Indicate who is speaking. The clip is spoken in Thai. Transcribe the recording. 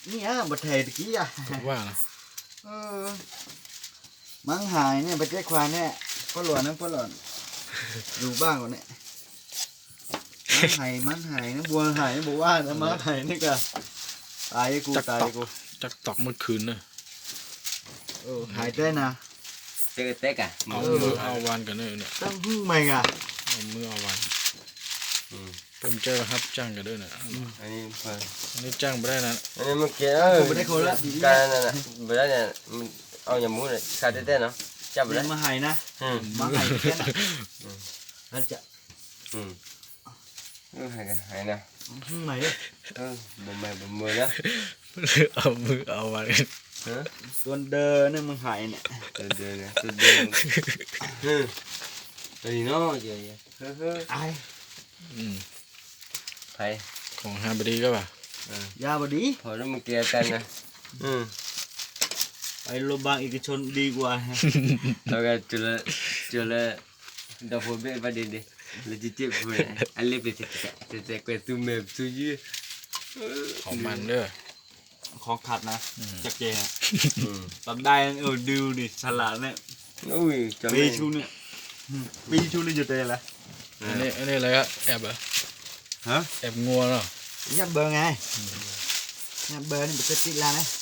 Speaker 1: นี่อ่ะบัดเทตะกี้อ่ะ
Speaker 2: ว่านะ
Speaker 1: มังหายเนี่ยไปแจ้ควานเนี่ยก็หลวนนะก็หลวนอยู่บ้างก่อนเนี่ยมันหายนะบัวหายบัวว่านะมาหายนี่ก็ตายกูตายกู
Speaker 2: จักตอกเมื่อคืนเนอะ
Speaker 1: หายได้นะ
Speaker 3: เจอเต๊กอ่ะ
Speaker 2: เอามือเอาวันกันเนอะเนี่ย
Speaker 1: ต้องพึ่งใหม่อ่ะ
Speaker 2: เอามือเอาวันผมเจอครับจ้างกันด้วยนะ
Speaker 3: อันนี้เพิ่น
Speaker 2: อันนี้จ้างไม่ได้นะ
Speaker 3: อันนี้มันเกี่ยวการนั่นน่ะบ่ได้เนี่ยมันเอาอย่างมู้เนี่ยขาดได้เนาะจับบ่
Speaker 1: เรี
Speaker 3: ได้
Speaker 1: ยนมาหายนะ
Speaker 3: อืม
Speaker 1: มาหายแค่นั้นนั่นจะ
Speaker 3: หายนะ
Speaker 1: พึ่งใหม่เลย
Speaker 3: บ่แม่บ่มือนะ
Speaker 2: เอามือเอาวัน
Speaker 3: ฮะ
Speaker 1: ตัวเดินเนี่ยมึงหายเนี่ย
Speaker 3: เดินนะเดินตัวนี้เนาะเยอะๆ
Speaker 1: ไอ้
Speaker 3: ไผ
Speaker 2: ของฮาบดีก็ป่ะ
Speaker 1: ยาบดี
Speaker 3: พอแล้วมันเกี่ยวกันนะ
Speaker 1: ไปโรงพยาบาลเอกชนดีกว่า
Speaker 3: แล้วก็จุลดาวเบะประเด็นดิlegit pun alif c'est quoi tout même tout you
Speaker 2: ของมันเด้อ
Speaker 1: ของขัดนะจากเจตอนได้ดูดิฉลาดเนี่ย
Speaker 3: ui
Speaker 1: ปีชูเนี่ยปีชูเลยอยู่เตะละ
Speaker 2: อันนี้อะไรก็แอบเหรอ
Speaker 1: ฮะ
Speaker 2: แอบงัวเนาะ
Speaker 1: nhặt bờ ngay nhặt bờ này bị chết la đấy